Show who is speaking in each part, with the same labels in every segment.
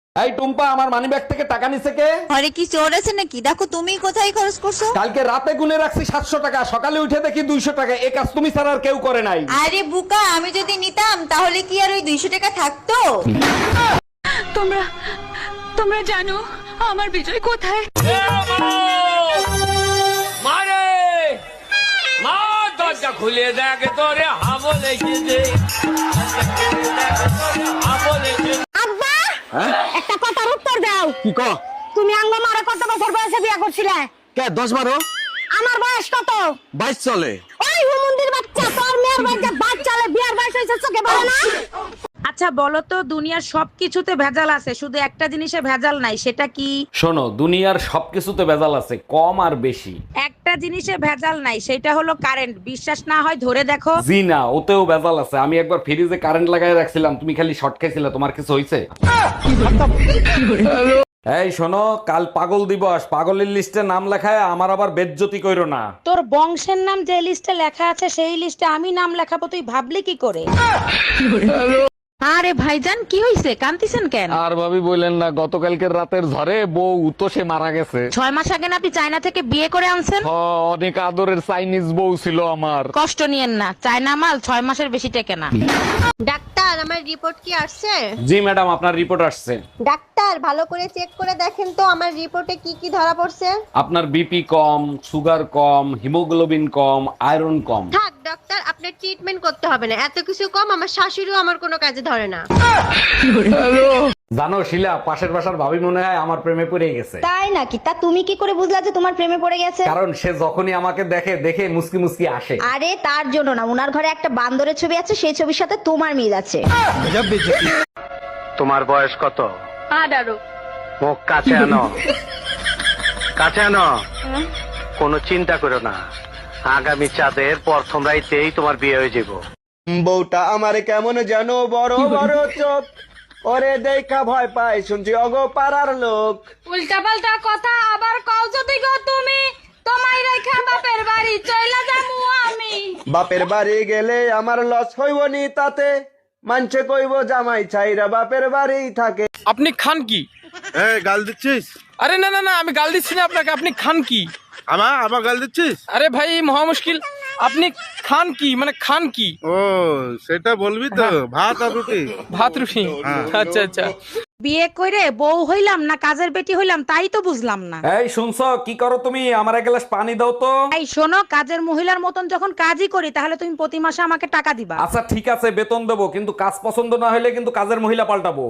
Speaker 1: এই টুম্পা, আমার মানিব্যাগ থেকে টাকা নিছে কে?
Speaker 2: ঘরে কি চোর আছে নাকি? দেখো তুমি কোথায় খরচ করছো।
Speaker 1: কালকে রাতে গুনে রাখছি 700 টাকা, সকালে উঠে দেখি 200 টাকা। এই কাজ তুমি ছাড়া আর কেউ করে নাই।
Speaker 2: আরে বুকা, আমি যদি নিতাম তাহলে কি আর ওই 200 টাকা থাকতো?
Speaker 3: তোমরা জানো আমার বিজয় কোথায়?
Speaker 4: মারে মা, দরজা খুলে দেখ তোরে হাবল এসেছে।
Speaker 5: আব্বা, একটা কথার উত্তর দাও।
Speaker 6: কি ক?
Speaker 5: তুমি আঙ্গ মারা কত বছর বয়সে বিয়ে করছিলে?
Speaker 6: কে 10-12?
Speaker 5: আমার বয়স কত?
Speaker 6: 22 চলে।
Speaker 5: ওই হুমুন্দির বাচ্চা, তোর মেয়ের বাচ্চা বাচ্চালে বিয়ার বয়স হয়েছে চোখে পড়ে না?
Speaker 3: আচ্ছা বলো তো, দুনিয়ার সবকিছুতে ভেজাল আছে, শুধু একটা জিনিসে ভেজাল নাই, সেটা কি?
Speaker 1: শোনো, দুনিয়ার সবকিছুতে ভেজাল আছে, কম আর বেশি।
Speaker 3: একটা জিনিসে ভেজাল নাই, সেটা হলো কারেন্ট। বিশ্বাস না হয় ধরে দেখো।
Speaker 1: জি না, ওতেও ভেজাল আছে। আমি একবার ফ্রিজে কারেন্ট লাগাই রাখছিলাম, তুমি খালি শর্ট খাইছিলে। তোমার কিছু হইছে? এই শোনো, কাল পাগল দিবস। পাগলের লিস্টে নাম লেখায় আমার আবার বেজ্জতি কইরো না।
Speaker 3: তোর বংশের নাম যে লিস্টে লেখা আছে সেই লিস্টে আমি নাম লেখাবো, তুই ভাবলি কি করে? আরে ভাইজান, কি হইছে? কান্দিছেন কেন?
Speaker 1: আর ভাবি বললেন না, গতকালকের রাতের ঝড়ে বউ তো সে মারা গেছে।
Speaker 3: 6 মাস আগে না আপনি চায়না থেকে বিয়ে করে আনছেন?
Speaker 1: অনেক আদরের চাইনিজ বউ ছিল আমার।
Speaker 3: কষ্ট নিয়েন না, চায়না মাল 6 মাসের বেশি টেকে না।
Speaker 7: ডাক্তার, আমার রিপোর্ট কি আসছে?
Speaker 1: জি ম্যাডাম, আপনার রিপোর্ট আসছে।
Speaker 7: ডাক্তার, ভালো করে চেক করে দেখেন তো আমার রিপোর্টে কি কি ধরা পড়ছে।
Speaker 1: আপনার বিপি কম, সুগার কম, হিমোগ্লোবিন কম, আয়রন কম।
Speaker 7: থাক ডাক্তার, আপনার ট্রিটমেন্ট করতে হবে না। এত কিছু কম, আমার শাশুড়িও আমার কোনো কাজে ধরে না।
Speaker 1: জানো শিলা, পাশের বাসার ভাবি মনে হয় আমার প্রেমে পড়ে গেছে।
Speaker 5: তাই নাকি? তা তুমি কি করে বুঝলা যে তোমার প্রেমে পড়ে গেছে?
Speaker 1: কারণ সে যখনই আমাকে দেখে দেখে মুসকি মুসকি আসে।
Speaker 5: আরে তার জন্য না, উনার ঘরে একটা বান্দরের ছবি আছে, সেই ছবির সাথে তোমার মিল আছে।
Speaker 8: তোমার বয়স কত?
Speaker 3: 18।
Speaker 8: মুখ কাছে আনো, কাছে আনো। কোনো চিন্তা করো না, আগামী চাঁদের প্রথম রাইতেই তোমার বিয়ে হয়ে যাব।
Speaker 6: বউটা আমার কেমন যেন বড় বড় চোখ, ওরে দেখা ভয় পায় শুনছি অগো পাড়ার লোক।
Speaker 3: উল্টা পাল্টা কথা আবার কও যদি গো তুমি, তোমায় রেখা বাপের বাড়ি চইলা যামু আমি।
Speaker 6: বাপের বাড়ি গেলে আমার লস হইব নি তাতে, মানছে কইব জামাই ছাইরা বাপের বাড়ি থাকে।
Speaker 4: আপনি খান কি?
Speaker 9: গাল দিচ্ছিস?
Speaker 4: আরে না না না, আমি গাল দিচ্ছি না আপনাকে। আপনি খান কি?
Speaker 9: আমার গাল দিচ্ছিস?
Speaker 4: আরে ভাই, মহা মুশকিল। আপনি খান কি, মানে খান কি?
Speaker 9: ও সেটা বলবি তো। ভাত আর রুটি।
Speaker 4: ভাত রুটি? আচ্ছা আচ্ছা।
Speaker 3: বিয়ে কইরে বউ হইলাম না কাজের বেটি হইলাম তাই তো বুঝলাম না।
Speaker 1: এই শুনছো, কি করো তুমি? আমার এক গ্লাস পানি দাও তো।
Speaker 3: এই শোনো, কাজের মহিলার মতন যখন কাজই করি তাহলে তুমি প্রতি মাসে আমাকে টাকা দিবা।
Speaker 1: আচ্ছা ঠিক আছে, বেতন দেবো, কিন্তু কাজ পছন্দ না হলে কিন্তু কাজের মহিলা পাল্টাবো।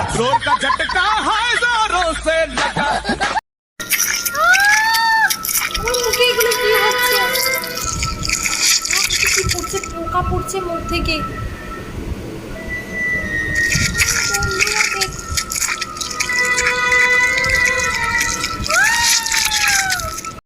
Speaker 7: মুখে এগুলো কি হচ্ছে? কি পড়ছে, পোকা পড়ছে মুখ থেকে।